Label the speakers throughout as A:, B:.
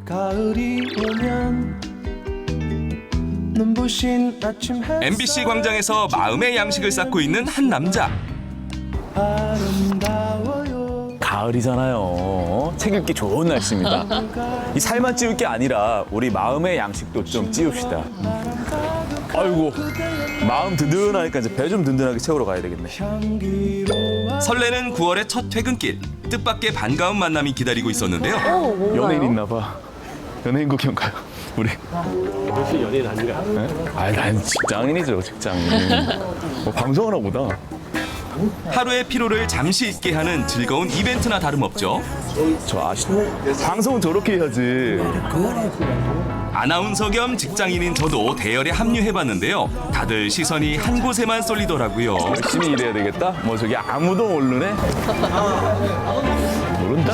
A: 가을이 오면 눈부신 아침 햇살
B: MBC 광장에서 마음의 양식을 쌓고 있는 한 남자.
A: 아름다워요.
C: 가을이잖아요. 책 읽기 좋은 날씨입니다. 이 살만 찌울 게 아니라 우리 마음의 양식도 좀 찌웁시다. 아이고, 마음 든든하니까 이제 배 좀 든든하게 채우러 가야 되겠네.
A: 향기로워
B: 설레는 9월의 첫 퇴근길. 뜻밖의 반가운 만남이 기다리고 있었는데요.
D: 뭔가요?
C: 연예인 있나 봐. 연예인 구경 가요. 우리.
E: 혹시 연예인 아닌가?
C: 네? 아, 난 직장인이죠, 직장인. 뭐 방송하나 보다.
B: 하루의 피로를 잠시 잊게 하는 즐거운 이벤트나 다름없죠.
C: 저 아시죠? 방송은 저렇게 해야지.
B: 아나운서 겸 직장인인 저도 대열에 합류해봤는데요. 다들 시선이 한 곳에만 쏠리더라고요.
C: 열심히 일해야 되겠다? 뭐 저기 아무도 모르네? 모른다?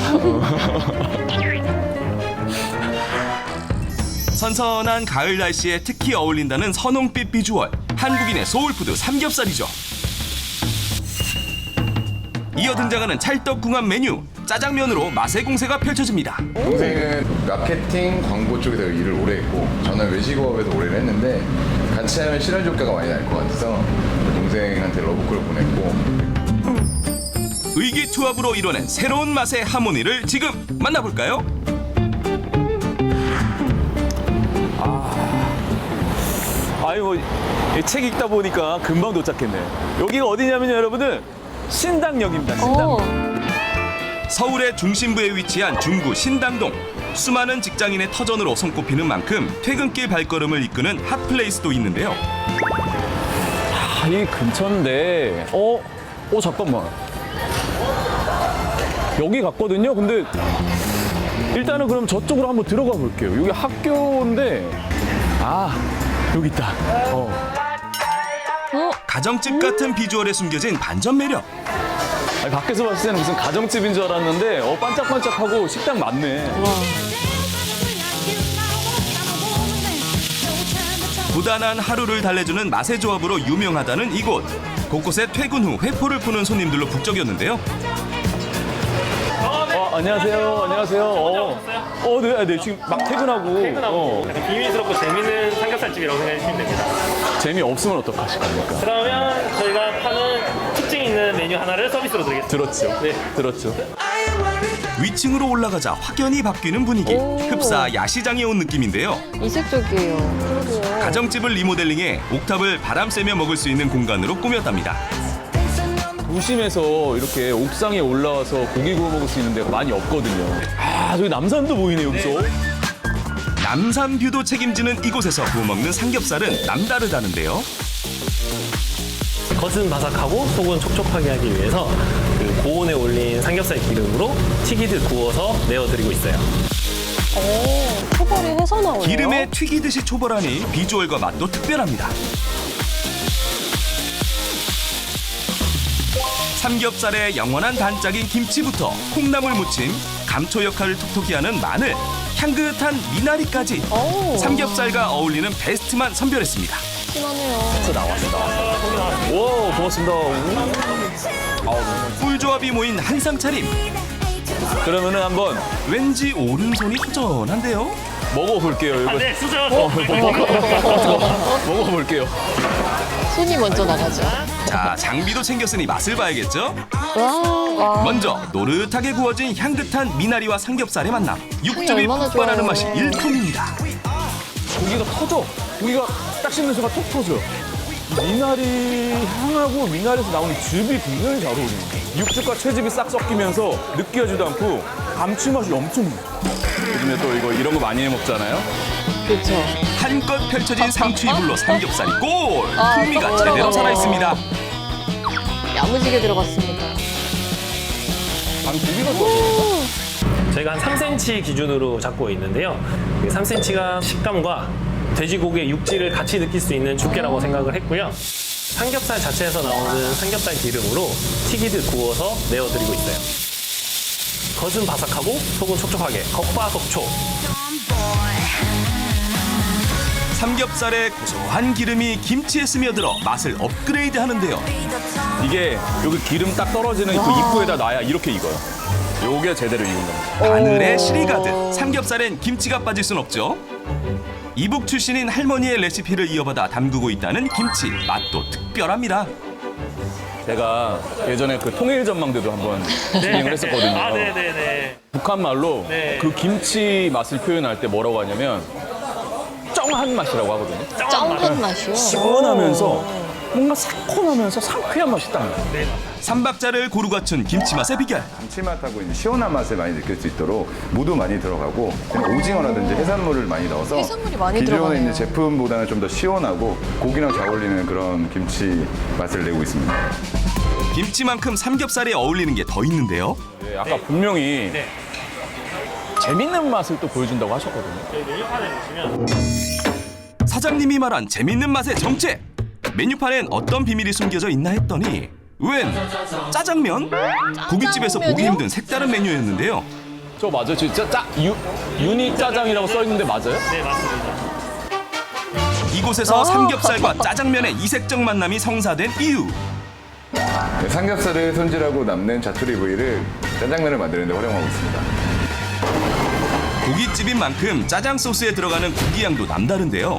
B: 선선한 가을 날씨에 특히 어울린다는 선홍빛 비주얼. 한국인의 소울푸드 삼겹살이죠. 이어 등장하는 찰떡궁합 메뉴. 짜장면으로 맛의 공세가 펼쳐집니다.
F: 동생은 마케팅, 광고 쪽에서 일을 오래 했고 저는 외식업에서 오래 했는데 같이 하면 시너지 효과가 많이 날 것 같아서 동생한테 러브콜을 보냈고
B: 의기투합으로 이뤄낸 새로운 맛의 하모니를 지금 만나볼까요?
C: 아이고, 이 책 읽다 보니까 금방 도착했네. 여기가 어디냐면요, 여러분들. 신당역입니다, 신당역.
B: 서울의 중심부에 위치한 중구 신당동. 수많은 직장인의 터전으로 손꼽히는 만큼 퇴근길 발걸음을 이끄는 핫플레이스도 있는데요.
C: 아, 이 근처인데. 잠깐만. 여기 갔거든요. 근데 일단은 그럼 저쪽으로 한번 들어가 볼게요. 여기 학교인데. 여기 있다.
B: 가정집 같은 비주얼에 숨겨진 반전 매력.
C: 아니, 밖에서 봤을 때는 무슨 가정집인 줄 알았는데 반짝반짝하고 식당 많네.
B: 부단한 하루를 달래주는 맛의 조합으로 유명하다는 이곳. 곳곳에 퇴근 후 회포를 푸는 손님들로 북적였는데요.
C: 안녕하세요. 안녕하세요. 네, 지금 막 퇴근하고.
E: 약간 비밀스럽고 재밌는 삼겹살집이라고 생각해 주시면 됩니다.
C: 재미없으면 어떡하실 겁니까?
E: 그러면 저희가 파는 특징 있는 메뉴 하나를 서비스로 드리겠습니다.
C: 들었죠?
E: 네.
C: 들었죠?
B: 위층으로 올라가자 확연히 바뀌는 분위기. 흡사 야시장에 온 느낌인데요.
D: 이색적이에요.
B: 가정집을 리모델링해 옥탑을 바람 쐬며 먹을 수 있는 공간으로 꾸몄답니다.
C: 도심에서 이렇게 옥상에 올라와서 고기 구워 먹을 수 있는 데가 많이 없거든요. 저기 남산도 보이네, 여기서.
B: 남산뷰도 책임지는 이곳에서 구워 먹는 삼겹살은 남다르다는데요.
E: 겉은 바삭하고 속은 촉촉하게 하기 위해서 그 고온에 올린 삼겹살 기름으로 튀기듯 구워서 내어드리고 있어요.
D: 초벌이 해서 나오네요.
B: 기름에 튀기듯이 초벌하니 비주얼과 맛도 특별합니다. 삼겹살의 영원한 단짝인 김치부터 콩나물 무침, 감초 역할을 톡톡히 하는 마늘, 향긋한 미나리까지 삼겹살과 어울리는 베스트만 선별했습니다.
D: 심하네요.
C: 와, 고맙습니다.
B: 꿀조합이 모인 한상 차림.
C: 그러면은 한번
B: 왠지 오른손이 허전한데요?
C: 먹어볼게요. 이거.
E: 네, 수저.
C: 먹어볼게요.
D: 손이 먼저 나가죠.
B: 자, 장비도 챙겼으니 맛을 봐야겠죠?
D: 와.
B: 먼저 노릇하게 구워진 향긋한 미나리와 삼겹살의 만남. 육즙이
D: 얼마나
B: 폭발하는
D: 좋아요.
B: 맛이 일품입니다.
C: 고기가 터져. 고기가 딱 씹는 순간 톡 터져. 미나리 향하고 미나리에서 나오는 즙이 굉장히 잘 어울리네. 육즙과 채즙이 싹 섞이면서 느끼하지도 않고 감칠맛이 엄청 나. 요즘에 또 이런 거 많이 해 먹잖아요.
D: 그렇죠.
B: 한껏 펼쳐진 상추 이불로 삼겹살이 골!
D: 아,
B: 풍미가
D: 딱
B: 제대로
D: 들어가네요.
B: 살아있습니다.
D: 야무지게 들어갔습니다.
C: 고기가 좋아.
E: 저희가 한 3cm 기준으로 잡고 있는데요. 3cm가 식감과 돼지고기의 육질을 같이 느낄 수 있는 두께라고 생각을 했고요. 삼겹살 자체에서 나오는 삼겹살 기름으로 튀기듯 구워서 내어드리고 있어요. 겉은 바삭하고 속은 촉촉하게 겉바속촉.
B: 삼겹살의 고소한 기름이 김치에 스며들어 맛을 업그레이드 하는데요.
C: 이게 여기 기름 딱 떨어지는 그 입구에다 놔야 이렇게 익어요. 요게 제대로 익은 겁니다.
B: 바늘에 실이 가득 삼겹살엔 김치가 빠질 순 없죠. 이북 출신인 할머니의 레시피를 이어받아 담그고 있다는 김치 맛도 특별합니다.
C: 제가 예전에 그 통일전망대도 한번 진행을 했었거든요.
E: 아, 네네네.
C: 북한 말로
E: 네.
C: 그 김치 맛을 표현할 때 뭐라고 하냐면 쩡한 맛이라고 하거든요.
D: 쩡한 맛이요.
C: 시원하면서 뭔가 새콤하면서 상쾌한 맛이 딱 나요.
B: 삼박자를 고루 갖춘 김치 맛의 비결.
F: 감칠맛하고 이제 시원한 맛을 많이 느낄 수 있도록 무도 많이 들어가고 그냥 오징어라든지 해산물을 많이 넣어서
D: 해산물이 많이
F: 기존에
D: 들어가네요.
F: 있는 제품보다는 좀 더 시원하고 고기랑 잘 어울리는 그런 김치 맛을 내고 있습니다.
B: 김치만큼 삼겹살에 어울리는 게 더 있는데요.
C: 네, 아까 분명히
E: 네.
C: 재밌는 맛을 또 보여준다고 하셨거든요.
E: 저희 메뉴판에 보시면
B: 사장님이 말한 재밌는 맛의 정체. 메뉴판엔 어떤 비밀이 숨겨져 있나 했더니 웬 짜장면? 고깃집에서 보기
D: 짜장면이요?
B: 힘든 색다른 메뉴였는데요.
C: 저 맞아요? 진짜 유니 짜장이라고 써 있는데 맞아요?
E: 네, 맞습니다.
B: 이곳에서 삼겹살과 짜장면의 이색적 만남이 성사된 이유.
F: 네, 삼겹살을 손질하고 남는 자투리 부위를 짜장면을 만드는 데 활용하고 있습니다.
B: 고깃집인 만큼 짜장 소스에 들어가는 고기 양도 남다른데요.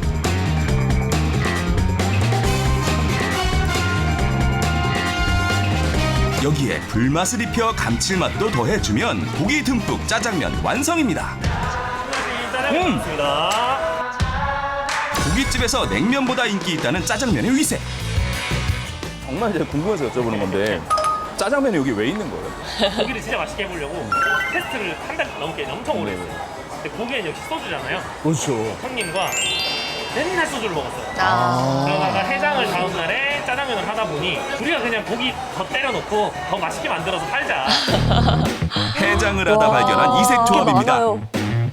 B: 여기에 불맛을 입혀 감칠맛도 더해주면 고기 듬뿍 짜장면 완성입니다.
E: 짜장면 나왔습니다.
B: 고깃집에서 냉면보다 인기 있다는 짜장면의 위세.
C: 정말 제가 궁금해서 여쭤보는 건데 짜장면이 여기 왜 있는 거예요?
E: 고기를 진짜 맛있게 해보려고 테스트를 한 달 넘게 엄청 오래 했어요. 근데 고기는 역시 소주잖아요.
C: 그렇죠.
E: 형님과 맨날 소주를 먹었어요.
D: 아.
E: 그러다가 해장을 다음 날에 짜장면을 하다 보니 우리가 그냥 고기 더 때려놓고 더 맛있게 만들어서 팔자.
B: 해장을 하다 발견한 이색 조합입니다.
D: 많아요.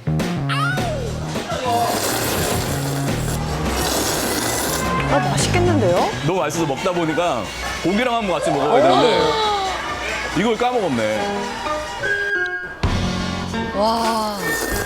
D: 아, 맛있겠는데요?
C: 너무 맛있어서 먹다 보니까 고기랑 한번 같이 먹어야 되는데 이걸 까먹었네.
D: 와.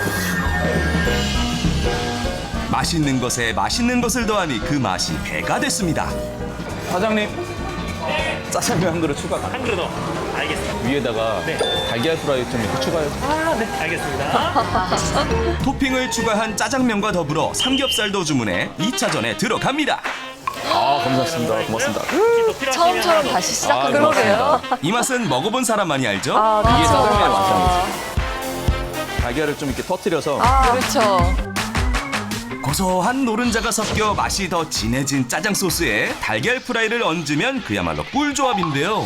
B: 맛있는 것에 맛있는 것을 더하니 그 맛이 배가 됐습니다.
C: 사장님 짜장면 한 그릇 추가 가능.
E: 한 그릇 더. 알겠습니다.
C: 위에다가
E: 네.
C: 달걀 프라이 좀 이렇게 추가해요.
E: 아, 네. 알겠습니다.
B: 토핑을 추가한 짜장면과 더불어 삼겹살도 주문해 2차전에 들어갑니다.
C: 아 감사합니다. 고맙습니다.
E: 혹시 또 필요하시면
D: 처음처럼
E: 하나 더.
D: 다시 시작하는 거예요.
B: 이 맛은 먹어본 사람만이 알죠?
C: 이게
D: 그렇죠.
C: 짜장면의 완성이죠. 달걀을 좀 이렇게 터뜨려서
D: 그렇죠.
B: 고소한 노른자가 섞여 맛이 더 진해진 짜장 소스에 달걀 프라이를 얹으면 그야말로 꿀조합인데요.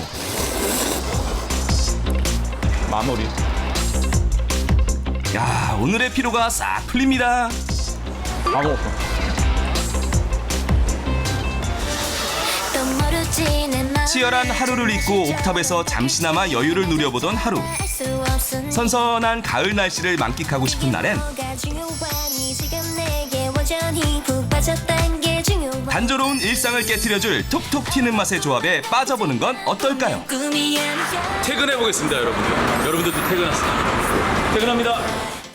C: 마무리.
B: 야, 오늘의 피로가 싹 풀립니다.
C: 다 먹었어.
B: 치열한 하루를 잊고 옥탑에서 잠시나마 여유를 누려보던 하루. 선선한 가을 날씨를 만끽하고 싶은 날엔 단조로운 일상을 깨트려줄 톡톡 튀는 맛의 조합에 빠져보는 건 어떨까요?
C: 퇴근해 보겠습니다, 여러분들. 여러분들도 퇴근하세요. 퇴근합니다.